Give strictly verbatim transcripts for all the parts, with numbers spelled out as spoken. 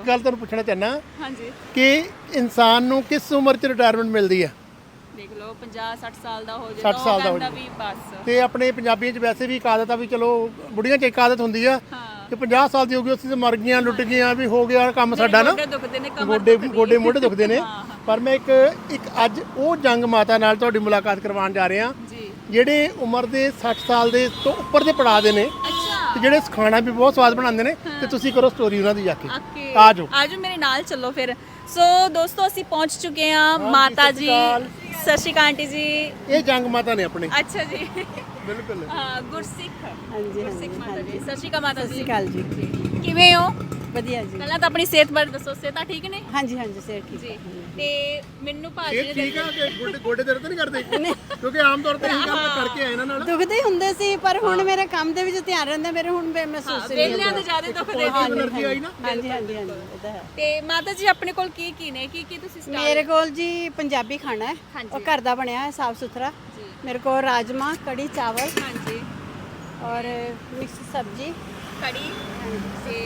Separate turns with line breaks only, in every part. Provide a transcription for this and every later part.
ਗੱਲ ਤੁਹਾਨੂੰ ਪੁੱਛਣਾ ਚਾਹੁੰਦਾ
ਹਾਂਜੀ
ਕਿ ਇਨਸਾਨ ਨੂੰ ਕਿਸ ਉਮਰ 'ਚ ਰਿਟਾਇਰਮੈਂਟ ਮਿਲਦੀ ਆ?
ਦੇਖ ਲਓ ਪੰਜਾਹ ਸੱਠ ਸਾਲ ਦਾ ਹੋ
ਸੱਠ ਸਾਲ ਦਾ ਹੋ
ਜਾਂਦਾ ਵੀ ਬਸ।
ਤੇ ਆਪਣੇ ਪੰਜਾਬੀਆਂ 'ਚ ਵੈਸੇ ਵੀ ਇੱਕ ਆਦਤ ਆ ਵੀ ਚਲੋ ਬੁੜੀਆਂ 'ਚ ਇੱਕ ਆਦਤ ਹੁੰਦੀ ਆ
ਹਾਂ
ਕਿ ਪੰਜਾਹ ਸਾਲ ਦੀ ਹੋ ਗਈ ਅਸੀਂ ਤਾਂ ਮਰ ਗਈਆਂ ਲੁੱਟ ਗਈਆਂ ਵੀ ਹੋ ਗਿਆ ਕੰਮ ਸਾਡਾ ਨਾ,
ਗੋਡੇ ਦੁਖਦੇ ਨੇ, ਕਮਰ
ਗੋਡੇ
ਦੁਖਦੀ
ਗੋਡੇ ਮੋਢੇ ਦੁਖਦੇ ਨੇ।
ਹਾਂ, ਹਾਂ।
ਪਰ ਮੈਂ ਇੱਕ ਇੱਕ ਅੱਜ ਉਹ ਜੰਗ ਮਾਤਾ ਨਾਲ ਤੁਹਾਡੀ ਮੁਲਾਕਾਤ ਕਰਵਾਉਣ ਜਾ ਰਹੇ ਹਾਂ
ਜੀ।
ਜਿਹੜੇ ਉਮਰ ਦੇ ਸੱਠ ਸਾਲ ਦੇ ਤੋਂ ਉੱਪਰ ਦੇ ਪੜਾਅ ਦੇ ਨੇ
ਅੱਛਾ
ਤੇ ਜਿਹੜੇ ਖਾਣਾ ਵੀ ਬਹੁਤ ਸਵਾਦ ਬਣਾਉਂਦੇ ਨੇ। ਤੇ ਤੁਸੀਂ ਕਰੋ ਸਟੋਰੀ ਉਹਨਾਂ ਦੀ ਜਾ ਕੇ,
ਓਕੇ
ਆ ਜਾਓ
ਆਜੋ ਮੇਰੇ ਨਾਲ ਚੱਲੋ ਫਿਰ। ਸੋ ਦੋਸਤੋ ਅਸੀਂ ਪਹੁੰਚ ਚੁੱਕੇ ਹਾਂ ਮਾਤਾ
ਸਤਿ
ਜੀ।
ਸ਼੍ਰੀ ਅਕਾਲ।
ਸਤਿ ਸ਼੍ਰੀ ਅਕਾਲ ਆਂਟੀ ਜੀ।
ਇਹ ਜੰਗ ਮਾਤਾ ਨੇ ਆਪਣੇ।
ਅੱਛਾ ਜੀ।
ਬਿਲਕੁਲ
ਹਾਂ ਗੁਰਸਿੱਖ।
ਹਾਂਜੀ
ਗੁਰਸਿੱਖ ਮਾਤਾ ਜੀ। ਸਤਿ ਸ਼੍ਰੀ ਅਕਾਲ ਮਾਤਾ
ਸਤਿ
ਜੀ।
ਸ਼੍ਰੀ ਅਕਾਲ ਜੀ।
ਕਿਵੇਂ ਹੋ?
ਵਧੀਆ ਜੀ।
ਪਹਿਲਾਂ ਤਾਂ ਆਪਣੀ ਸਿਹਤ ਬਾਰੇ ਦੱਸੋ, ਸਿਹਤਾਂ ਠੀਕ ਨੇ?
ਹਾਂਜੀ ਹਾਂਜੀ ਸਿਹਤ ਠੀਕ
ਜੀ
ਹੈ।
ਤੇ ਮੈਨੂੰ ਭਾਜੀ
ਇਹ
ਨੇ
ਠੀਕ ਆ ਕਿ ਗੋਡੇ ਗੋਡੇ ਦਰਦ ਤਾਂ ਨਹੀਂ ਕਰਦੇ? ਕਿਉਂਕਿ ਆਮ ਤੌਰ ਤੇ ਇਹ ਕੰਮ ਕਰਕੇ ਆਏ ਇਹਨਾਂ ਨਾਲ।
ਦੁਖਦੇ ਹੀ ਹੁੰਦੇ ਸੀ ਪਰ ਹੁਣ ਮੇਰੇ ਕੰਮ ਦੇ ਵਿੱਚ ਧਿਆਨ ਰਹਿੰਦਾ, ਮੇਰੇ ਹੁਣ ਬੇ- ਮਹਿਸੂਸ ਨਹੀਂ
ਵੇਲਿਆਂ ਦੇ ਜ਼ਿਆਦਾ ਦੁਖਦੇ ਨੇ।
એનર્ਜੀ ਆਈ ਨਾ।
ਹਾਂਜੀ ਹਾਂਜੀ ਹਾਂਜੀ ਇਹ ਤਾਂ ਹੈ।
ਤੇ ਮਾਤਾ ਜੀ ਆਪਣੇ ਕੋਲ ਕੀ ਕੀ ਨੇ, ਕੀ ਕੀ ਤੁਸੀਂ stall-
ਮੇਰੇ ਕੋਲ ਜੀ ਪੰਜਾਬੀ ਖਾਣਾ ਹੈ,
ਹਾਂਜੀ।
ਉਹ ਘਰ ਦਾ ਬਣਿਆ ਹੈ ਸਾਫ ਸੁਥਰਾ।
ਜੀ।
ਮੇਰੇ ਕੋਲ ਰਾਜਮਾ ਕੜੀ ਚਾਵਲ
ਹਾਂਜੀ
ਔਰ ਮਿਕਸ ਸਬਜੀ।
ਕੜੀ ਤੇ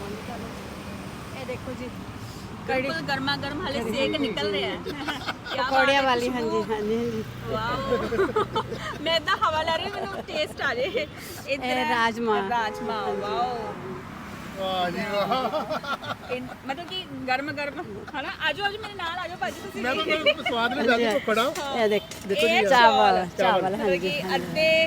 ਇਹ ਦੇਖੋ ਜੀ
ਬਿਲਕੁਲ ਗਰਮਾ ਗਰਮ ਹਲੇ ਸੇਕ ਨਿਕਲ ਰਿਹਾ ਹੈ। ਕਿਆ ਬਾਤ
ਪਕੌੜਿਆਂ
ਹੈ,
ਵਾਲੀ।
ਖੁਸ਼ਬੂ।
ਹਾਂਜੀ ਹਾਂਜੀ ਹਾਂਜੀ
ਵਾਓ ਮੈਂ ਤਾਂ ਹਵਾ ਲੈ ਰਹੀ, ਮੈਨੂੰ ਟੇਸਟ ਆ ਜੇ। ਇੱਧਰ
ਇਹ
ਹੈ
ਰਾਜਮਾ।
ਰਾਜਮਾ ਵਾਓ।
ਵਾਹ ਜੀ ਵਾਹ।
ਇਨ- ਮਤਲਬ ਕਿ ਗਰਮ ਗਰਮ ਹਨਾ। ਆਜੋ ਆਜੋ ਮੇਰੇ ਨਾਲ ਆਜੋ ਭਾਜੀ ਤੁਸੀਂ
ਮੈਂ
ਵੀ।
ਤਾਂ ਕੋਈ ਸਵਾਦ ਨਹੀਂ ਜਾਂਦੀ ਭੁੱਖੜਾ।
ਇਹ ਦੇਖ ਦੇਖੋ
ਇਹ
ਜੀ ਚਾਵਲ ਚਾਵਲ
ਮਤਲਬ
ਹਾਂਜੀ
ਕਿ ਅੱਧੇ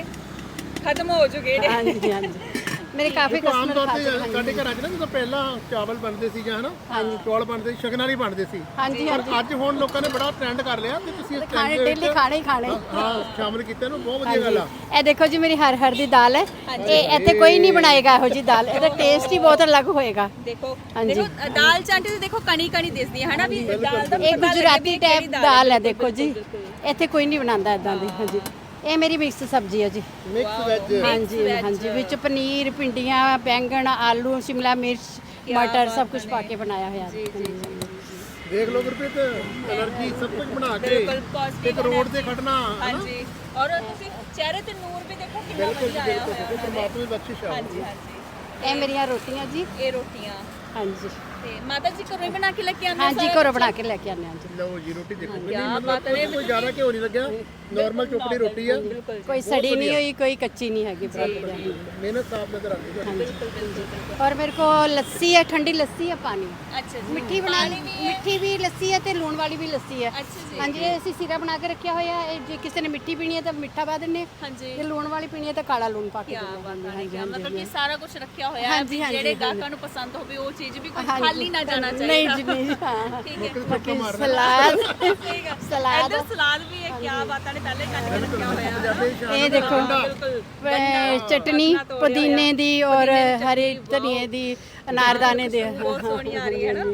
ਖਤਮ ਹੋ ਚੁੱਕੇ ਨੇ।
ਹਾਂਜੀ ਹਾਂਜੀ ਮੇਰੇ ਕਾਫੀ
ਦੇਖੋ ਆਮ
ਕਸਟਮਰ
ਤੌਰ
ਖਾ
ਤੇ
ਚੁੱਕੇ
ਸਾਡੇ ਘਰਾਂ 'ਚ ਨਾ ਜਦੋਂ ਪਹਿਲਾਂ ਚਾਵਲ ਬਣਦੇ ਸੀ ਜਾਂ ਹਨਾ ਚੌਲ ਬਣਦੇ ਸੀ, ਸ਼ਗਨਾਂ ਲਈ ਬਣਦੇ ਸੀ।
ਹਾਂਜੀ
ਪਰ
ਹਾਂਜੀ
ਅੱਜ ਹੁਣ ਲੋਕਾਂ ਨੇ ਬੜਾ ਟ੍ਰੈਂਡ ਕਰ ਲਿਆ ਕਿ ਤੁਸੀਂ ਇਸ trend
ਖਾਣੇ
ਦੇ
ਡੇਲੀ
ਵਿੱਚ
ਖਾਣੇ ਹੀ ਖਾਣੇ।
ਹਾਂ ਸ਼ਾਮਿਲ ਕੀਤਾ ਨੂੰ ਬਹੁਤ ਵਧੀਆ ਗੱਲ ਆ।
ਇਹ ਦੇਖੋ ਜੀ ਮੇਰੀ ਹਰ ਹਰ ਦੀ ਦਾਲ ਹੈ। ਇਹ ਇੱਥੇ ਕੋਈ ਨਹੀਂ ਬਣਾਏਗਾ ਇਹੋ ਜੀ ਦਾਲ, ਇਹਦਾ ਟੇਸਟ ਹੀ ਬਹੁਤ ਅਲੱਗ ਹੋਏਗਾ।
ਦੇਖੋ
ਹਾਂਜੀ।
ਦੇਖੋ ਦਾਲ ਚਾਂਟੀ ਤੇ ਦੇਖੋ ਕਣੀ ਕਣੀ ਦਿਸਦੀ ਹੈ ਹਨਾ ਵੀ ਦਾਲ ਦਾ
ਇਹ
ਪਤਾ ਲੱਗੇ ਵੀ
ਗੁਜਰਾਤੀ
ਇਹ
ਟਾਈਪ
ਕਿਹੜੀ
ਦਾਲ ਹੈ
ਬਿਲਕੁਲ,
ਦੇਖੋ ਜੀ,
ਬਿਲਕੁਲ।
ਇੱਥੇ ਕੋਈ ਨਹੀਂ ਬਣਾਉਂਦਾ ਇਦਾਂ ਦੀ। ਹਾਂਜੀ ਇਹ ਮੇਰੀ ਮਿਕਸ ਸਬਜ਼ੀ ਹੈ ਜੀ।
Mix veg.
ਹਾਂਜੀ
veg।
ਹਾਂਜੀ ਵਿੱਚ ਪਨੀਰ ਭਿੰਡੀਆਂ ਬੈਂਗਣ ਆਲੂ ਸ਼ਿਮਲਾ ਮਿਰਚ ਮਟਰ ਸਭ ਕੁਝ ਪਾ ਕੇ ਬਣਾਇਆ ਹੋਇਆ
ਜੀ ਜੀ ਜੀ
ਦੇਖ ਲਓ ਗੁਰਪ੍ਰੀਤ, એનર્ਜੀ ਸਭ ਕੁਝ ਬਣਾ ਕੇ
ਬਿਲਕੁਲ positive
ਇੱਕ ਰੋਡ ਤੇ ਖੜਨਾ ਹਨਾ।
ਹਾਂਜੀ ਔਰ ਤੁਸੀਂ ਚਿਹਰੇ ਤੇ ਨੂਰ ਵੀ ਦੇਖੋ ਕਿੰਨਾ
ਬਿਲਕੁਲ
ਵਧੀਆ
ਜੀ
ਆਇਆ
ਬਿਲਕੁਲ।
ਹੋਇਆ
ਦੇਖੋ
ਉਹਨਾਂ
ਮਾਤਾ ਦੀ ਬਖਸ਼ਿਸ਼ ਆ।
ਦੇ। ਹਾਂਜੀ ਹਾਂਜੀ
ਇਹ ਮੇਰੀਆਂ ਰੋਟੀਆਂ ਜੀ।
ਇਹ ਰੋਟੀਆਂ
ਹਾਂਜੀ
ਤੇ ਮਾਤਾ ਜੀ ਘਰੋਂ ਹੀ ਬਣਾ ਕੇ ਲੈ ਕੇ ਆਉਂਦੇ
ਹਾਂਜੀ
ਸਾਰਾ
ਘਰੋਂ ਬਣਾ ਕੇ ਲੈ ਕੇ ਆਉਂਦੇ ਹਾਂ ਜੀ।
ਲਓ ਜੀ ਰੋਟੀ ਦੇਖੋ ਕਿੰਨੀ
ਕਿਆ
ਮਤਲਬ
ਬਾਤ ਹੈ।
ਕੋਈ ਜ਼ਿਆਦਾ ਘਿਓ ਨਹੀਂ ਲੱਗਿਆ, ਨਾਰਮਲ ਚੋਪੜੀ ਰੋਟੀ ਆ।
ਬਿਲਕੁਲ
ਕੋਈ ਸੜੀ ਨਹੀਂ ਹੋਈ ਕੋਈ ਕੱਚੀ ਨਹੀਂ ਹੈਗੀ ਬਰਾਬਰ ਹੈ।
ਮਿਹਨਤ ਸਾਫ ਨਜ਼ਰ ਆਉਂਦੀ ਤੁਹਾਨੂੰ।
ਬਿਲਕੁਲ ਬਿਲਕੁਲ
ਔਰ ਮੇਰੇ ਕੋ ਲੱਸੀ ਹੈ, ਠੰਡੀ ਲੱਸੀ ਹੈ ਪਾਣੀ
ਅੱਛਾ ਜੀ
ਮਿੱਠੀ ਬਣਾ ਲਈ, ਮਿੱਠੀ ਵੀ ਲੱਸੀ ਹੈ ਤੇ ਲੂਣ ਵਾਲੀ ਵੀ ਲੱਸੀ ਹੈ।
ਅੱਛਾ ਜੀ
ਹਾਂਜੀ ਇਹ ਅਸੀਂ ਸਿਰਾ ਬਣਾ ਕੇ ਰੱਖਿਆ ਹੋਇਆ ਹੈ। ਜੇ ਕਿਸੇ ਨੇ ਮਿੱਠੀ ਪੀਣੀ ਹੈ ਤਾਂ ਮਿੱਠਾ ਪਾ ਦਿੰਦੇ ਹਾਂ,
ਹਾਂਜੀ
ਜੇ ਲੂਣ ਵਾਲੀ ਪੀਣੀ ਹੈ ਤਾਂ ਕਾਲਾ ਲੂਣ ਪਾ ਕੇ
ਕਿਆ
ਦਿੰਦੇ
ਬਾਤ
ਹਾਂ।
ਹੈ ਕਿਆ ਮਤਲਬ ਕਿ ਸਾਰਾ ਕੁਝ ਰੱਖਿਆ ਹੋਇਆ ਹੈ
ਹਾਂਜੀ,
ਵੀ
ਹਾਂਜੀ,
ਜਿਹੜੇ
ਹਾਂਜੀ।
ਗਾਹਕਾਂ ਨੂੰ ਪਸੰਦ ਹੋਵੇ ਉਹ ਚੀਜ਼ ਵੀ ਕੋਈ
ਹਾਂਜੀ।
ਖਾਲੀ ਨਾ ਜਾਣਾ ਚਾਹੀਦਾ।
ਨਹੀਂ ਜੀ ਨਹੀਂ ਹਾਂ
ਠੀਕ ਹੈ
ਬਾਕੀ ਸਲਾਦ
ਠੀਕ ਹੈ
ਸਲਾਦ
ਇੱਧਰ ਸਲਾਦ ਵੀ ਹੈ ਕਿਆ ਬਾਤਾਂ ਨੇ ਪਹਿਲੇ ਕੱਟ ਕੇ ਰੱਖਿਆ ਹੋਇਆ ਹੈ
ਪੰਜਾਬੀ ਸ਼ਾਨ
ਇਹ ਦੇਖੋ
ਬਿਲਕੁਲ
ਅਹ ਚਟਨੀ ਪੁਦੀਨੇ ਦੀ ਔਰ ਹਰੇ ਧਨੀਏ ਦੀ ਅਨਾਰਦਾਨੇ ਦੀ।
ਬਹੁਤ ਸੋਹਣੀ ਆ ਰਹੀ ਹੈ ਨਾ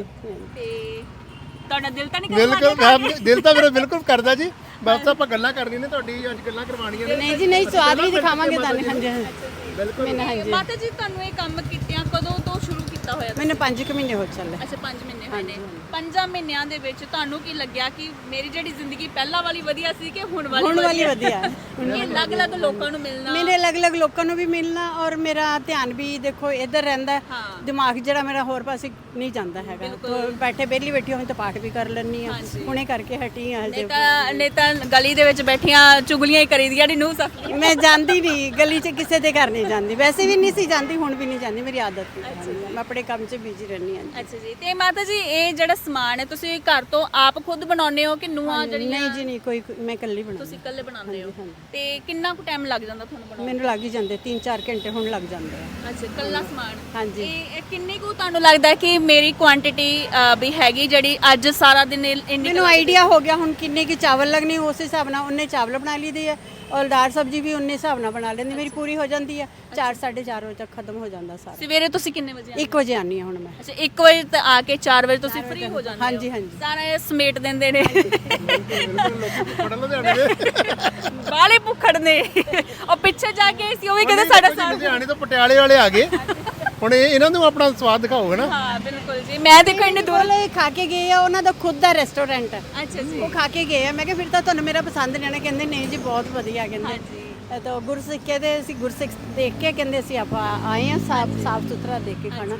ਤੇ ਤੁਹਾਡਾ ਦਿਲ ਤਾਂ ਨਹੀਂ ਕਰਦਾ
ਬਿਲਕੁਲ ਮੈਂ- ਦਿਲ ਤਾਂ ਮੇਰਾ ਬਿਲਕੁਲ ਕਰਦਾ ਜੀ। ਬਸ ਆਪਾਂ ਗੱਲਾਂ ਕਰਨੀਆਂ ਨੇ, ਤੁਹਾਡੀ ਅੱਜ ਗੱਲਾਂ ਕਰਵਾਉਣੀਆਂ ਨੇ।
ਨਹੀਂ ਜੀ ਨਹੀਂ ਸਵਾਦ ਵੀ ਦਿਖਾਵਾਂਗੇ ਤੁਹਾਨੂੰ। ਹਾਂਜੀ
ਬਿਲਕੁਲ
ਮੈਨੂੰ ਹਾਂਜੀ
ਮਾਤਾ ਜੀ ਤੁਹਾਨੂੰ ਇਹ ਕੰਮ ਕੀਤਿਆਂ ਕਦੋਂ ਤੋਂ ਸ਼ੁਰੂ ਕੀਤਾ ਹੋਇਆ ਤੁਸੀਂ?
ਮੈਨੂੰ ਪੰਜ ਕੁ ਮਹੀਨੇ ਹੋ ਚੱਲੇ।
ਅੱਛਾ ਪੰਜ ਮਹੀਨੇ ਹੋਏ ਨੇ। ਪੰਜਾਂ ਮਹੀਨਿਆਂ ਦੇ ਵਿੱਚ ਤੁਹਾਨੂੰ ਕੀ ਲੱਗਿਆ ਕਿ ਮੇਰੀ ਜਿਹੜੀ ਜ਼ਿੰਦਗੀ ਪਹਿਲਾਂ ਵਾਲੀ ਵਧੀਆ ਸੀ ਕਿ ਹੁਣ ਵਾਲੀ
ਹੁਣ ਵਾਲੀ ਵਧੀਆ ਹੈ।
ਇਹ ਅਲੱਗ-ਅਲੱਗ ਲੋਕਾਂ ਨੂੰ ਮਿਲਣਾ
ਮੇਰੇ ਅਲੱਗ-ਅਲੱਗ ਲੋਕਾਂ ਨੂੰ ਵੀ ਮਿਲਣਾ ਔਰ ਮੇਰਾ ਧਿਆਨ ਵੀ ਦੇਖੋ ਇੱਧਰ ਰਹਿੰਦਾ ਹੈ।
ਹਾਂ।
ਦਿਮਾਗ ਜਿਹੜਾ ਮੇਰਾ ਹੋਰ ਪਾਸੇ ਨਹੀਂ ਜਾਂਦਾ ਹੈਗਾ। ਤੋ ਬੈਠੇ ਵਿਹਲੀ ਬੈਠੀ ਹੋਈ ਤਾਂ ਪਾਠ ਵੀ ਕਰ ਲੈਣੀ ਆ। ਹੁਣੇ ਕਰਕੇ ਹਟੀ ਆ ਹਜੇ।
ਨਹੀਂ ਤਾਂ ਨਹੀਂ ਤਾਂ ਗਲੀ ਦੇ ਵਿੱਚ ਬੈਠੀਆਂ ਚੁਗਲੀਆਂ ਹੀ ਕਰੀਦੀਆਂ ਨੀ ਨੂੰ ਸਫਲੀ।
ਮੈਂ ਜਾਂਦੀ ਨਹੀਂ ਗਲੀ 'ਚ ਕਿਸੇ ਦੇ ਘਰ ਨਹੀਂ ਜਾਂਦੀ, ਵੈਸੇ ਵੀ ਨਹੀਂ ਸੀ ਜਾਂਦੀ, ਹੁਣ ਵੀ ਨਹੀਂ ਜਾਂਦੀ, ਮੇਰੀ ਆਦਤ ਨਹੀਂ। ਮੈਂ ਆਪਣੇ ਕੰਮ 'ਚ ਬਿਜ਼ੀ ਰਹਿੰਦੀ ਹਾਂ।
ਅੱਛਾ ਜੀ ਤੇ ਮਾਤਾ ਜੀ ਇਹ ਜਿਹੜਾ ਸਮਾਨ ਹੈ ਤੁਸੀਂ ਘਰ ਤੋਂ ਆਪ ਖੁਦ ਬਣਾਉਂਦੇ ਹੋ ਕਿ ਨੂੰਹਾਂ ਜਿਹੜੀਆਂ
ਨਹੀਂ ਜੀ ਨਹੀਂ ਕੋਈ ਮੈਂ ਇਕੱਲੀ ਬਣਾਉਂਦੀ।
ਤੁਸੀਂ ਇਕੱਲੇ ਬਣਾਉਂਦੇ ਹੋ ਤੇ ਕਿੰਨਾ ਕੁ ਟਾਈਮ ਲੱਗ ਜਾਂਦਾ ਤੁਹਾਨੂੰ ਬਣਾਉਣ
ਮੈਨੂੰ ਲੱਗ ਹੀ ਜਾਂਦੇ ਤਿੰਨ ਚਾਰ ਘੰਟੇ ਹੁਣ ਲੱਗ ਜਾਂਦੇ ਆ।
ਅੱਛਾ ਇਕੱਲਾ ਸਮਾਨ
ਹਾਂਜੀ।
ਇਹ ਇਹ ਕਿੰਨੀ ਕੁ ਤੁਹਾਨੂੰ ਲੱਗਦਾ ਹੈ ਕਿ ਮੇਰੀ ਕੁਆਂਟੀਟੀ ਵੀ ਹੈਗੀ ਜਿਹੜੀ ਅੱਜ ਸਾਰਾ ਦਿਨ ਇਹ- ਇੰਨੀ
ਮੈਨੂੰ ਆਈਡੀਆ ਹੋ ਗਿਆ ਹੁਣ ਕਿੰਨੇ ਕੀ ਚਾਵਲ ਲੱਗਣੇ, ਉਸ ਹਿਸਾਬ ਨਾਲ ਉਹਨੇ ਚਾਵਲ ਬਣਾ ਲਈਦੇ ਆ ਔਰ ਦਾਲ ਸਬਜ਼ੀ ਵੀ ਉਹਨੇ ਹਿਸਾਬ ਨਾਲ ਬਣਾ ਲੈਂਦੀ, ਮੇਰੀ ਪੂਰੀ ਹੋ ਜਾਂਦੀ ਆ। ਚਾਰ ਸਾਢੇ ਚਾਰ ਵਜੇ ਤੱਕ ਖਤਮ ਹੋ ਜਾਂਦਾ ਸਾਰਾ।
ਸਵੇਰੇ ਤੁਸੀਂ ਕਿੰਨੇ ਵਜੇ ਆਉਂਦੇ
ਇੱਕ ਵਜੇ ਆਨੀ ਆ ਹੁਣ ਮੈਂ।
ਅੱਛਾ ਇੱਕ ਵਜੇ ਤੇ ਆ ਕੇ ਚਾਰ ਵਜੇ ਤੁਸੀਂ ਫ੍ਰੀ ਹੋ ਜਾਂਦੇ ਹੋ
ਹਾਂਜੀ ਹਾਂਜੀ
ਸਾਰਾ ਇਹ ਸਮੇਟ ਦਿੰਦੇ ਨੇ
ਬਿਲਕੁਲ ਲੋਕੀ ਫੜਨ ਲੁਧਿਆਣੇ ਦੇ।
ਬਾਲੇ ਭੁੱਖੜ ਨੇ ਉਹ ਪਿੱਛੇ ਜਾ ਕੇ ਸੀ ਉਹ ਵੀ ਕਹਿੰਦੇ ਸਾਡਾ ਸਾਰਾ
ਲੁਧਿਆਣੇ ਤੋਂ ਪਟਿਆਲੇ ਵਾਲੇ ਆ ਗਏ। ਹੁਣ ਇਹ ਇਹਨਾਂ ਨੂੰ ਆਪਣਾ ਸਵਾਦ ਦਿਖਾਓਗੇ ਨਾ।
ਹਾਂ ਬਿਲਕੁਲ ਜੀ ਮੈਂ ਦੇਖੋ ਇੰਨੇ ਦੂਰ
ਕੋਲੇ ਖਾ ਕੇ ਗਏ ਆ, ਉਹਨਾਂ ਦਾ ਖੁਦ ਦਾ ਰੈਸਟੋਰੈਂਟ ਹੈ।
ਅੱਛਾ ਜੀ
ਉਹ ਖਾ ਕੇ ਗਏ ਆ। ਮੈਂ ਕਿਹਾ ਫਿਰ ਤਾਂ ਤੁਹਾਨੂੰ ਮੇਰਾ ਪਸੰਦ ਨਹੀਂ ਆਣਾ, ਕਹਿੰਦੇ ਨਹੀਂ ਜੀ ਬਹੁਤ ਵਧੀਆ ਕਹਿੰਦੇ। ਇਹ ਤਾਂ ਗੁਰਸਿੱਖੇ ਦੇ ਅਸੀਂ ਗੁਰਸਿੱਖ ਦੇਖ ਕੇ ਕਹਿੰਦੇ ਅਸੀਂ ਆਪਾਂ ਆਏ ਆ ਸਾਫ ਸਾਫ ਸੁਥਰਾ ਦੇਖ ਕੇ ਖਾਣਾ।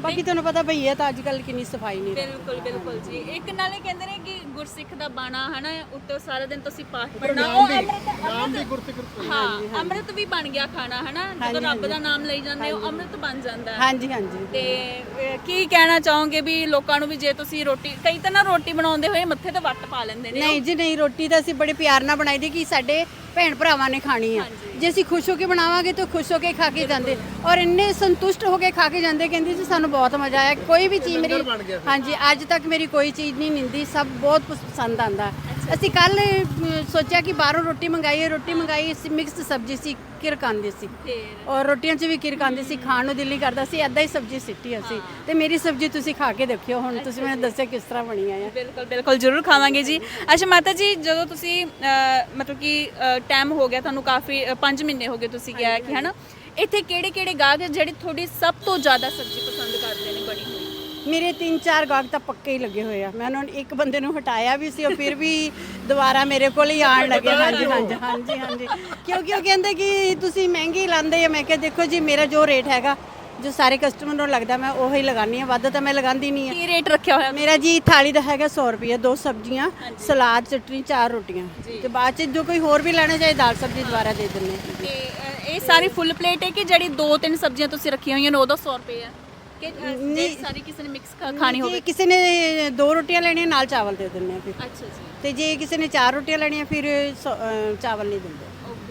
ਬਾਕੀ ਤੁਹਾਨੂੰ ਪਤਾ ਭਈਆ ਤਾਂ ਅੱਜ ਕੱਲ ਕਿੰਨੀ ਸਫਾਈ ਨਹੀਂ ਰੱਖਦੇ।
ਬਿਲਕੁਲ ਬਿਲਕੁਲ ਜੀ। ਇੱਕ ਨਾਲੇ ਕਹਿੰਦੇ ਨੇ ਕਿ ਗੁਰਸਿੱਖ ਦਾ ਬਾਣਾ ਹਨਾ ਉੱਤੇ ਸਾਰਾ ਦਿਨ ਤੁਸੀਂ ਪਾਠ ਪੜਨਾ, ਉਹ ਅੰਮ੍ਰਿਤ
ਨਾਮ ਦੀ
ਅੰਮ੍ਰਿਤ
ਗੁਰਸਿੱਖ
ਹਾਂ ਅੰਮ੍ਰਿਤ ਵੀ ਬਣ ਗਿਆ ਖਾਣਾ ਹਨਾ, ਜਦੋਂ ਰੱਬ ਦਾ ਨਾਮ ਲਈ ਜਾਂਦੇ ਹੋ ਅੰਮ੍ਰਿਤ ਬਣ ਜਾਂਦਾ ਹੈ।
ਹਾਂਜੀ ਹਾਂਜੀ।
ਤੇ ਅਹ, ਕੀ ਕਹਿਣਾ ਚਾਹੋਗੇ ਵੀ ਲੋਕਾਂ ਨੂੰ ਵੀ ਜੇ ਤੁਸੀਂ ਰੋਟੀ, ਕਈ ਤਾਂ ਨਾ ਰੋਟੀ ਬਣਾਉਂਦੇ ਹੋਏ ਮੱਥੇ ਤੇ ਵੱਟ ਪਾ ਲੈਂਦੇ ਨੇ।
ਨਹੀਂ ਜੀ ਨਹੀਂ, ਰੋਟੀ ਤਾਂ ਅਸੀਂ ਬੜੇ ਪਿਆਰ ਨਾਲ ਬਣਾਈ ਦੀ ਕਿ ਸਾਡੇ ਭੈਣ ਭਰਾਵਾਂ ਨੇ ਖਾਣੀ ਆ। ਜੇ ਅਸੀਂ ਖੁਸ਼ ਹੋ ਕੇ ਬਣਾਵਾਂਗੇ ਤਾਂ ਖੁਸ਼ ਹੋ ਕੇ ਖਾ ਕੇ ਜਾਂਦੇ, ਔਰ ਇੰਨੇ ਸੰਤੁਸ਼ਟ ਹੋ ਕੇ ਖਾ ਕੇ ਜਾਂਦੇ, ਕਹਿੰਦੇ ਜੀ ਸਾਨੂੰ ਬਹੁਤ ਮਜ਼ਾ ਆਇਆ। ਕੋਈ ਵੀ ਚੀਜ਼ ਮੇਰੀ, ਹਾਂਜੀ ਅੱਜ ਤੱਕ ਮੇਰੀ ਕੋਈ ਚੀਜ਼ ਨਹੀਂ ਨਿੰਦੀ, ਸਭ ਬਹੁਤ ਪਸੰਦ ਆਂਦਾ। ਅਸੀਂ ਕੱਲ ਸੋਚਿਆ ਕਿ ਬਾਹਰੋਂ ਰੋਟੀ ਮੰਗਾਈਏ, ਰੋਟੀ ਮੰਗਾਈ ਸੀ, ਮਿਕਸ ਸਬਜ਼ੀ ਸੀ, ਕਿਰਕ ਆਉਂਦੀ ਸੀ, ਔਰ ਰੋਟੀਆਂ 'ਚ ਵੀ ਕਿਰਕ ਆਉਂਦੀ ਸੀ, ਖਾਣ ਨੂੰ ਦਿਲ ਨਹੀਂ ਕਰਦਾ ਸੀ, ਐਦਾਂ ਹੀ ਸਬਜ਼ੀ ਸਿੱਟੀ ਅਸੀਂ। ਤੇ ਮੇਰੀ ਸਬਜ਼ੀ ਤੁਸੀਂ ਖਾ ਕੇ ਦੇਖਿਓ, ਹੁਣ ਤੁਸੀਂ ਮੈਨੂੰ ਦੱਸਿਆ ਕਿਸ ਤਰ੍ਹਾਂ ਬਣੀ ਆ।
ਬਿਲਕੁਲ ਬਿਲਕੁਲ ਜ਼ਰੂਰ ਖਾਵਾਂਗੇ ਜੀ। ਅੱਛਾ ਮਾਤਾ ਜੀ, ਜਦੋਂ ਤੁਸੀਂ ਅਹ, ਮਤਲਬ ਕਿ ਟਾਈਮ ਹੋ ਗਿਆ ਤੁਹਾਨੂੰ ਕਾਫੀ, ਪੰਜ ਮਹੀਨੇ ਹੋ ਗਏ ਤੁਸੀਂ ਕਿਹਾ ਕਿ ਹਨਾ, ਇੱਥੇ ਕਿਹੜੇ ਕਿਹੜੇ ਗਾਹਕ ਜਿਹੜੇ ਤੁਹਾਡੀ ਸਭ ਤੋਂ ਜ਼ਿਆਦਾ ਸਬਜ਼ੀ ਪਸੰਦ ਕਰਦੇ ਨੇ ਬਣੀ ਹੋਈ?
ਮੇਰੇ ਤਿੰਨ ਚਾਰ ਗਾਹਕ ਤਾਂ ਪੱਕੇ ਹੀ ਲੱਗੇ ਹੋਏ ਆ। ਮੈਂ ਉਹਨਾਂ ਨੂੰ ਇੱਕ ਬੰਦੇ ਨੂੰ ਹਟਾਇਆ ਵੀ ਸੀ, ਉਹ ਫਿਰ ਵੀ ਦੁਬਾਰਾ ਮੇਰੇ ਕੋਲ ਹੀ ਆਉਣ ਲੱਗੇ। ਹਾਂਜੀ ਹਾਂਜੀ ਹਾਂਜੀ ਹਾਂਜੀ, ਕਿਉਂਕਿ ਉਹ ਕਹਿੰਦੇ ਕਿ ਤੁਸੀਂ ਮਹਿੰਗੀ ਲਾਉਂਦੇ ਆ। ਮੈਂ ਕਿਹਾ ਦੇਖੋ ਜੀ, ਮੇਰਾ ਜੋ ਰੇਟ ਹੈਗਾ, ਜੋ ਸਾਰੇ ਕਸਟਮਰ ਨੂੰ ਲੱਗਦਾ ਮੈਂ ਉਹੀ ਲਗਾਉਂਦੀ ਹਾਂ, ਵੱਧ ਤਾਂ ਮੈਂ ਲਗਾਉਂਦੀ ਨਹੀਂ ਆ।
ਕੀ ਰੇਟ ਰੱਖਿਆ ਹੋਇਆ?
ਮੇਰਾ ਜੀ ਥਾਲੀ ਦਾ ਹੈਗਾ ਸੌ ਰੁਪਏ, ਦੋ ਸਬਜ਼ੀਆਂ, ਸਲਾਦ, ਚਟਨੀ, ਚਾਰ ਰੋਟੀਆਂ, ਤੇ ਬਾਅਦ ਚ ਜੋ ਕੋਈ ਹੋਰ ਵੀ ਲੈਣਾ ਚਾਹੇ ਦਾਲ ਸਬਜ਼ੀ ਦੁਬਾਰਾ ਦੇ ਦਿੰਦੇ।
ਤੇ ਅਹ, ਇਹ ਸਾਰੀ ਫੁੱਲ ਪਲੇਟ ਹੈ ਕਿ ਜਿਹੜੀ ਦੋ ਤਿੰਨ ਸਬਜ਼ੀਆਂ ਤੁਸੀਂ ਰੱਖੀਆਂ ਹੋਈਆਂ ਨੇ ਉਹਦਾ ਸੌ ਰੁਪਏ ਹੈ ਕਿ ਅਹ, ਜੇ ਸਾਰੀ ਕਿਸੇ ਨੇ ਮਿਕਸ ਖਾਣੀ ਹੋਵੇ?
ਜੇ ਕਿਸੇ ਨੇ ਦੋ ਰੋਟੀਆਂ ਲੈਣੀਆਂ ਨਾਲ ਚਾਵਲ ਦੇ ਦਿੰਦੇ ਆ ਫਿਰ।
ਅੱਛਾ ਜੀ।
ਤੇ ਜੇ ਕਿਸੇ ਨੇ ਚਾਰ ਰੋਟੀਆਂ ਲੈਣੀਆਂ ਫਿਰ ਸੌ- ਅਹ, ਚਾਵਲ ਨਹੀਂ ਦਿੰਦੇ।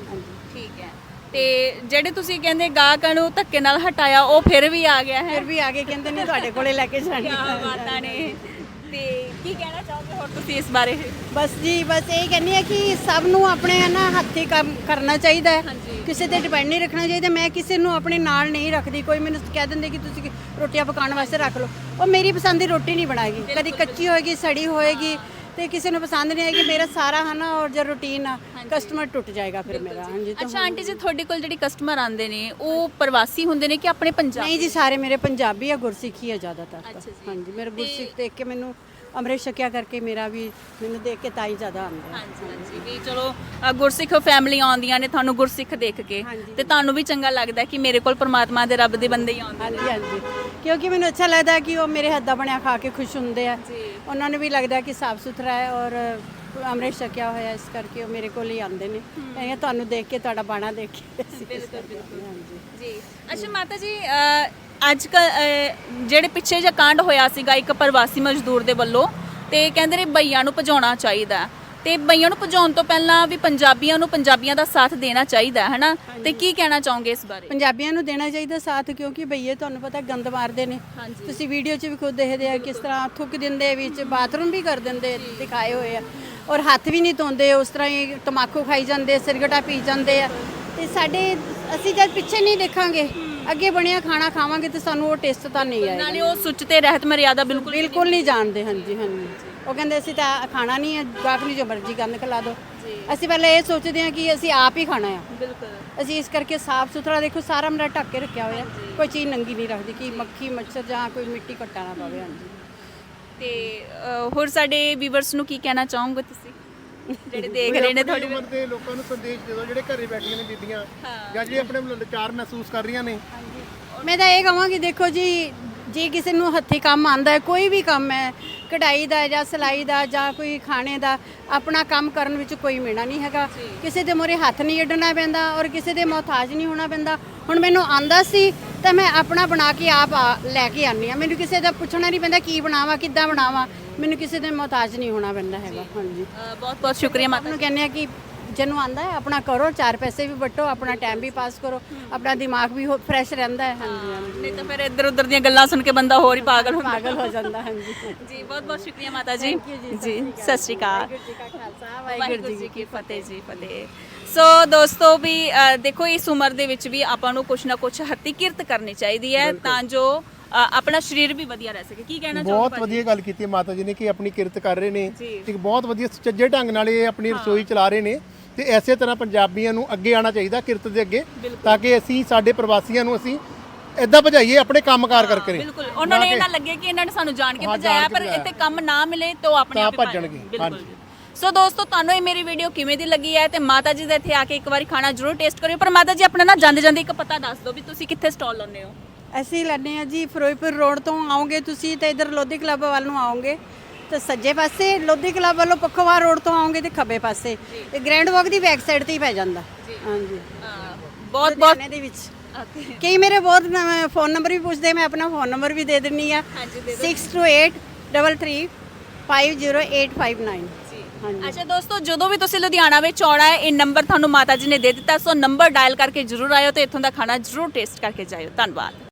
ਠੀਕ ਹੈ। ਤੇ ਜਿਹੜੇ ਤੁਸੀਂ ਕਹਿੰਦੇ ਗਾਹਕਾਂ ਨੂੰ ਧੱਕੇ ਨਾਲ ਹਟਾਇਆ, ਉਹ ਫਿਰ ਵੀ ਆ ਗਿਆ ਹੈ?
ਫਿਰ ਵੀ ਆਗੇ ਕਹਿੰਦੇ ਨੇ ਤੁਹਾਡੇ ਕੋਲੇ ਲੈ ਕੇ ਜਾਣੀ।
ਕਿਆ ਬਾਤਾਂ ਨੇ। ਤੇ ਕੀ ਕਹਿਣਾ ਚਾਹੋਗੇ ਹੋਰ ਤੁਸੀਂ ਇਸ ਬਾਰੇ?
ਬਸ ਜੀ, ਬਸ ਇਹ ਕਹਿੰਦੀ ਆ ਕਿ ਸਭ ਨੂੰ ਆਪਣੇ ਨਾ ਹੱਥੀਂ ਕੰਮ ਕਰਨਾ ਚਾਹੀਦਾ ਹੈ, ਕਿਸੇ ਤੇ ਡਿਪੈਂਡ ਨਹੀਂ ਰੱਖਣਾ ਚਾਹੀਦਾ। ਮੈਂ ਕਿਸੇ ਨੂੰ ਆਪਣੇ ਨਾਲ ਨਹੀਂ ਰੱਖਦੀ। ਕੋਈ ਮੈਨੂੰ ਕਹਿ ਦਿੰਦੇ ਕਿ ਤੁਸੀਂ ਰੋਟੀਆਂ ਪਕਾਉਣ ਵਾਸਤੇ ਰੱਖ ਲਓ, ਉਹ ਮੇਰੀ ਪਸੰਦ ਦੀ ਰੋਟੀ ਨਹੀਂ ਬਣਾਏਗੀ, ਕਦੀ ਕੱਚੀ ਹੋਏਗੀ, ਸੜੀ ਹੋਏਗੀ, ਤੇ ਕਿਸੇ ਨੂੰ ਪਸੰਦ ਨਹੀਂ ਆਏਗੀ। ਮੇਰਾ ਸਾਰਾ ਹੈ ਨਾ, ਔਰ ਜੋ ਰੂਟੀਨ ਆ, ਕਸਟਮਰ ਟੁੱਟ ਜਾਏਗਾ ਫਿਰ ਮੇਰਾ। ਹਾਂਜੀ।
ਅੱਛਾ ਆਂਟੀ ਜੀ, ਤੁਹਾਡੇ ਕੋਲ ਜਿਹੜੀ ਕਸਟਮਰ ਆਉਂਦੇ ਨੇ ਉਹ ਪ੍ਰਵਾਸੀ ਹੁੰਦੇ ਨੇ ਕਿ ਆਪਣੇ ਪੰਜਾਬ?
ਨਹੀਂ ਜੀ, ਸਾਰੇ ਮੇਰੇ ਪੰਜਾਬੀ ਆ, ਗੁਰਸਿੱਖੀ ਆ ਜ਼ਿਆਦਾਤਰ ਤਾਂ।
ਅੱਛਾ ਜੀ।
ਹਾਂਜੀ, ਮੇਰੇ ਗੁਰਸਿੱਖ ਦੇਖ ਕੇ ਮੈਨੂੰ, ਅੰਮ੍ਰਿਤ ਛਕਿਆ ਕਰਕੇ ਮੇਰਾ ਵੀ ਮੈਨੂੰ ਦੇਖ ਕੇ ਤਾਂ ਹੀ ਜ਼ਿਆਦਾ ਆਉਂਦਾ।
ਹਾਂਜੀ ਹਾਂਜੀ, ਵੀ ਚਲੋ ਅ, ਗੁਰਸਿੱਖ ਫੈਮਿਲੀ ਆਉਂਦੀਆਂ ਨੇ ਤੁਹਾਨੂੰ ਗੁਰਸਿੱਖ ਦੇਖ ਕੇ, ਤੇ ਤੁਹਾਨੂੰ ਵੀ ਚੰਗਾ ਲੱਗਦਾ ਕਿ ਮੇਰੇ ਕੋਲ ਪਰਮਾਤਮਾ ਦੇ ਰੱਬ ਦੇ ਬੰਦੇ ਹੀ ਆਉਂਦੇ ਨੇ।
ਹਾਂਜੀ ਹਾਂਜੀ, ਕਿਉਂਕਿ ਮੈਨੂੰ ਅੱਛਾ ਲੱਗਦਾ ਕਿ ਉਹ ਮੇਰੇ ਹੱਥ ਦਾ ਬਣਿਆ ਖਾ ਕੇ ਖੁਸ਼ ਹੁੰਦੇ ਆ। ਉਹਨਾਂ ਨੂੰ ਵੀ ਲੱਗਦਾ ਕਿ ਸਾਫ਼ ਸੁਥਰਾ ਹੈ ਔਰ ਅੰਮ੍ਰਿਤ ਛਕਿਆ ਹੋਇਆ, ਇਸ ਕਰਕੇ ਉਹ ਮੇਰੇ ਕੋਲ ਹੀ ਆਉਂਦੇ ਨੇ। ਇਹ ਤੁਹਾਨੂੰ ਦੇਖ ਕੇ, ਤੁਹਾਡਾ ਬਾਣਾ ਦੇਖ ਕੇ ਅਸੀਂ
ਬਿਲਕੁਲ ਬਿਲਕੁਲ ਹਾਂਜੀ ਜੀ। ਅੱਛਾ ਮਾਤਾ ਜੀ, ਅ, ਅੱਜ ਕੱਲ ਜਿਹੜੇ ਪਿੱਛੇ ਜਿਹਾ ਕਾਂਡ ਹੋਇਆ ਸੀਗਾ ਇੱਕ ਪ੍ਰਵਾਸੀ ਮਜ਼ਦੂਰ ਦੇ ਵੱਲੋਂ, ਤੇ ਕਹਿੰਦੇ ਨੇ ਬਈਆਂ ਨੂੰ ਭਜਾਉਣਾ ਚਾਹੀਦਾ, ਤੇ ਬਈਆਂ ਨੂੰ ਭਜਾਉਣ ਤੋਂ ਪਹਿਲਾਂ ਵੀ ਪੰਜਾਬੀਆਂ ਨੂੰ ਪੰਜਾਬੀਆਂ ਦਾ ਸਾਥ ਦੇਣਾ ਚਾਹੀਦਾ ਹੈ ਨਾ, ਤੇ ਕੀ ਕਹਿਣਾ ਚਾਹੋਗੇ ਇਸ ਬਾਰੇ?
ਪੰਜਾਬੀਆਂ ਨੂੰ ਦੇਣਾ ਚਾਹੀਦਾ ਸਾਥ, ਕਿਉਂਕਿ ਬਈਏ ਤੁਹਾਨੂੰ ਪਤਾ ਗੰਦ ਮਾਰਦੇ ਨੇ। ਤੁਸੀਂ ਵੀਡੀਓ 'ਚ ਵੀ ਖੁਦ ਦੇਖਦੇ ਆ ਕਿਸ ਤਰ੍ਹਾਂ ਥੁੱਕ ਦਿੰਦੇ, ਵਿੱਚ ਬਾਥਰੂਮ ਵੀ ਕਰ ਦਿੰਦੇ, ਦਿਖਾਏ ਹੋਏ ਆ, ਔਰ ਹੱਥ ਵੀ ਨਹੀਂ ਧੋਂਦੇ, ਉਸ ਤਰ੍ਹਾਂ ਹੀ ਤਮਾਕੂ ਖਾਈ ਜਾਂਦੇ, ਸਿਰਗਟਾ ਪੀ ਜਾਂਦੇ ਆ। ਤੇ ਸਾਡੇ, ਅਸੀਂ ਜਦ ਪਿੱਛੇ ਨਹੀਂ ਦੇਖਾਂਗੇ, ਅੱਗੇ ਬਣਿਆ ਖਾਣਾ ਖਾਵਾਂਗੇ ਤੇ ਸਾਨੂੰ ਉਹ ਟੇਸਟ ਤਾਂ ਨਹੀਂ ਆਏਗਾ।
ਨਾਲੇ ਉਹ ਸੁੱਚ ਤੇ ਰਹਿਤ ਮਰਿਆਦਾ ਬਿਲਕੁਲ
ਬਿਲਕੁਲ ਨਹੀਂ ਜਾਣਦੇ। ਹਾਂਜੀ ਹਾਂਜੀ, ਉਹ ਕਹਿੰਦੇ ਅਸੀਂ ਤਾਂ ਖਾਣਾ ਨਹੀਂ ਹੈ, ਗਾਹਕ ਨੂੰ ਜੋ ਮਰਜ਼ੀ ਗੰਦ ਖਿਲਾ ਦਿਓ। ਅਸੀਂ ਪਹਿਲਾਂ ਇਹ ਸੋਚਦੇ ਹਾਂ ਕਿ ਅਸੀਂ ਆਪ ਹੀ ਖਾਣਾ ਆ।
ਬਿਲਕੁਲ।
ਅਸੀਂ ਇਸ ਕਰਕੇ ਸਾਫ਼ ਸੁਥਰਾ, ਦੇਖੋ ਸਾਰਾ ਮੇਰਾ ਢੱਕ ਕੇ ਰੱਖਿਆ ਹੋਇਆ, ਕੋਈ ਚੀਜ਼ ਨੰਗੀ ਨਹੀਂ ਰੱਖਦੀ ਕਿ ਮੱਖੀ ਮੱਛਰ ਜਾਂ ਕੋਈ ਮਿੱਟੀ ਘੱਟਾ ਨਾ ਪਵੇ। ਹਾਂਜੀ।
ਤੇ ਅ, ਹੋਰ ਸਾਡੇ ਵੀਵਰਸ ਨੂੰ ਕੀ ਕਹਿਣਾ ਚਾਹੋਗੇ ਤੁਸੀਂ ਜਿਹੜੇ ਦੇਖ ਰਹੇ ਨੇ? ਤੁਹਾਡੀ
ਉਮਰ ਦੇ ਲੋਕਾਂ ਨੂੰ ਸੰਦੇਸ਼ ਦੇ ਦਿਓ ਜਿਹੜੇ ਘਰੇ ਬੈਠੀਆਂ ਨੇ ਬੀਬੀਆਂ, ਜਾਂ ਜਿਹੜੇ ਆਪਣੇ ਲਾਚਾਰ ਮਹਿਸੂਸ ਕਰ ਰਹੀਆਂ ਨੇ।
ਮੈਂ ਤਾਂ ਇਹ ਕਹਾਂਗੀ, ਦੇਖੋ ਜੀ, ਜੇ ਕਿਸੇ ਨੂੰ ਹੱਥੀਂ ਕੰਮ ਆਉਂਦਾ ਹੈ, ਕੋਈ ਵੀ ਕੰਮ ਹੈ, ਕਢਾਈ ਦਾ ਜਾਂ ਸਿਲਾਈ ਦਾ ਜਾਂ ਕੋਈ ਖਾਣੇ ਦਾ, ਆਪਣਾ ਕੰਮ ਕਰਨ ਵਿੱਚ ਕੋਈ ਮੇਣਾ ਨਹੀਂ ਹੈਗਾ। ਕਿਸੇ ਦੇ ਮੂਹਰੇ ਹੱਥ ਨਹੀਂ ਅੱਡਣਾ ਪੈਂਦਾ ਔਰ ਕਿਸੇ ਦੇ ਮੁਹਤਾਜ ਨਹੀਂ ਹੋਣਾ ਪੈਂਦਾ। ਹੁਣ ਮੈਨੂੰ ਆਂਦਾ ਸੀ ਤਾਂ ਮੈਂ ਆਪਣਾ ਬਣਾ ਕੇ ਆਪ ਲੈ ਕੇ ਆਉਂਦੀ ਹਾਂ। ਮੈਨੂੰ ਕਿਸੇ ਦਾ ਪੁੱਛਣਾ ਨਹੀਂ ਪੈਂਦਾ ਕੀ ਬਣਾਵਾਂ, ਕਿੱਦਾਂ ਬਣਾਵਾਂ। ਮੈਨੂੰ ਕਿਸੇ ਦੇ ਮੁਹਤਾਜ ਨਹੀਂ ਹੋਣਾ ਪੈਂਦਾ ਹੈਗਾ। ਹਾਂਜੀ,
ਬਹੁਤ ਬਹੁਤ ਸ਼ੁਕਰੀਆ ਮਾਤਾ।
ਨੂੰ ਕਹਿੰਦੇ ਆ ਕਿ ਜਿਹਨੂੰ ਆਂਦਾ ਹੈ ਆਪਣਾ ਕਰੋ, ਚਾਰ ਪੈਸੇ ਵੀ ਵਟੋ, ਆਪਣਾ ਟਾਈਮ ਵੀ ਪਾਸ ਕਰੋ, ਆਪਣਾ ਦਿਮਾਗ ਵੀ ਫਰੈਸ਼ ਰਹਿੰਦਾ ਹੈ। ਹਾਂਜੀ ਹਾਂਜੀ,
ਨਹੀਂ ਤਾਂ ਫਿਰ ਇੱਧਰ ਉੱਧਰ ਦੀਆਂ ਗੱਲਾਂ ਸੁਣ ਕੇ ਬੰਦਾ ਹੋਰ ਹੀ ਪਾਗਲ ਹੁੰਦਾ
ਪਾਗਲ ਹੋ ਜਾਂਦਾ। ਹਾਂਜੀ
ਜੀ, ਬਹੁਤ ਬਹੁਤ ਸ਼ੁਕਰੀਆ ਮਾਤਾ ਜੀ। ਜੀ ਸਤਿ ਸ਼੍ਰੀ ਅਕਾਲ। ਵਾਹਿਗੁਰੂ ਜੀ ਕੀ ਫਤਿਹ ਜੀ, ਫਤਿਹ। ਸੋ ਦੋਸਤੋ ਵੀ ਅ, ਦੇਖੋ ਇਸ ਉਮਰ ਦੇ ਵਿੱਚ ਵੀ ਆਪਾਂ ਨੂੰ ਕੁਛ ਨਾ ਕੁਛ ਹੱਥੀਂ ਕਿਰਤ ਕਰਨੀ ਚਾਹੀਦੀ ਹੈ ਤਾਂ ਜੋ ਅ, ਆਪਣਾ ਸਰੀਰ ਵੀ ਵਧੀਆ ਰਹਿ ਸਕੇ। ਕੀ ਕਹਿਣਾ ਚਾਹੋਗੇ?
ਬਹੁਤ ਵਧੀਆ ਗੱਲ ਕੀਤੀ ਹੈ ਮਾਤਾ ਜੀ ਨੇ ਕਿ ਆਪਣੀ ਕਿਰਤ ਕਰ ਰਹੇ ਨੇ, ਇੱਕ ਬਹੁਤ ਵਧੀਆ ਸੁਚੱਜੇ ਢੰਗ ਨਾਲ ਇਹ ਆਪਣੀ ਰਸੋਈ ਚਲਾ ਰਹੇ ਨੇ। ਤੇ ਐਸੇ ਤਰ੍ਹਾਂ ਪੰਜਾਬੀਆਂ ਨੂੰ ਅੱਗੇ ਆਉਣਾ ਚਾਹੀਦਾ ਕਿਰਤ ਦੇ ਅੱਗੇ, ਤਾਂ ਕਿ ਅਸੀਂ ਸਾਡੇ ਪ੍ਰਵਾਸੀਆਂ ਨੂੰ ਅਸੀਂ ਇਦਾਂ ਭਜਾਈਏ ਆਪਣੇ ਕੰਮਕਾਰ ਕਰਕੇ।
ਬਿਲਕੁਲ, ਉਹਨਾਂ ਨੇ ਇਹ ਨਾ ਲੱਗੇ ਕਿ ਇਹਨਾਂ ਨੇ ਸਾਨੂੰ ਜਾਣ ਕੇ ਭਜਾਇਆ, ਪਰ ਇੱਥੇ ਕੰਮ ਨਾ ਮਿਲੇ ਤਾਂ ਉਹ ਆਪਣੇ ਆਪ ਹੀ
ਭੱਜਣਗੇ।
ਬਿਲਕੁਲ। ਸੋ ਦੋਸਤੋ, ਤੁਹਾਨੂੰ ਇਹ ਮੇਰੀ ਵੀਡੀਓ ਕਿਵੇਂ ਦੀ ਲੱਗੀ ਹੈ ਤੇ ਮਾਤਾ ਜੀ ਦੇ ਇੱਥੇ ਆ ਕੇ ਇੱਕ ਵਾਰੀ ਖਾਣਾ ਜ਼ਰੂਰ ਟੇਸਟ ਕਰਿਓ। ਪਰ ਮਾਤਾ ਜੀ ਆਪਣਾ ਨਾ ਜਾਂਦੇ ਜਾਂਦੇ ਇੱਕ ਪਤਾ ਦੱਸ ਦਿਓ ਵੀ ਤੁਸੀਂ ਕਿੱਥੇ ਸਟਾਲ ਲਾਉਂਦੇ ਹੋ।
ਅਸੀਂ ਲੈਂਦੇ ਹਾਂ ਜੀ ਫਿਰੋਜ਼ਪੁਰ ਰੋਡ ਤੋਂ ਆਓਗੇ ਤੁਸੀਂ ਤੇ ਇਧਰ ਲੋਧੀ ਕਲੱਬ ਵੱਲ ਨੂੰ ਆਓਗੇ ਤਾਂ ਸੱਜੇ ਪਾਸੇ, ਲੋਧੀ ਕਲੱਬ ਵੱਲੋਂ ਪੱਖੋਵਾਲ ਰੋਡ ਤੋਂ ਆਓਗੇ ਤੇ ਖੱਬੇ ਪਾਸੇ। ਇਹ ਗ੍ਰੈਂਡ ਵਾਕ ਦੀ ਬੈਕ ਸਾਈਡ ਤੇ ਹੀ ਪੈ ਜਾਂਦਾ। ਹਾਂਜੀ
ਬਹੁਤ ਬਹੁਤ
ਲੁਧਿਆਣੇ ਦੇ ਵਿੱਚ ਕਈ ਮੇਰੇ ਬਹੁਤ ਫੋਨ ਨੰਬਰ ਵੀ ਪੁੱਛਦੇ, ਮੈਂ ਆਪਣਾ ਫੋਨ ਨੰਬਰ ਵੀ ਦੇ ਦਿੰਨੀ ਆ six two eight three three five zero eight five nine. ਹਾਂਜੀ
ਅੱਛਾ ਦੋਸਤੋ, ਜਦੋਂ ਵੀ ਤੁਸੀਂ ਲੁਧਿਆਣਾ ਵਿੱਚ ਆਉਣਾ ਹੈ, ਇਹ ਨੰਬਰ ਤੁਹਾਨੂੰ ਮਾਤਾ ਜੀ ਨੇ ਦੇ ਦਿੱਤਾ, ਸੋ ਨੰਬਰ ਡਾਇਲ ਕਰਕੇ ਜ਼ਰੂਰ ਆਇਓ ਤੇ ਇੱਥੋਂ ਦਾ ਖਾਣਾ ਜ਼ਰੂਰ ਟੇਸਟ ਕਰਕੇ ਜਾਇਓ। ਧੰਨਵਾਦ।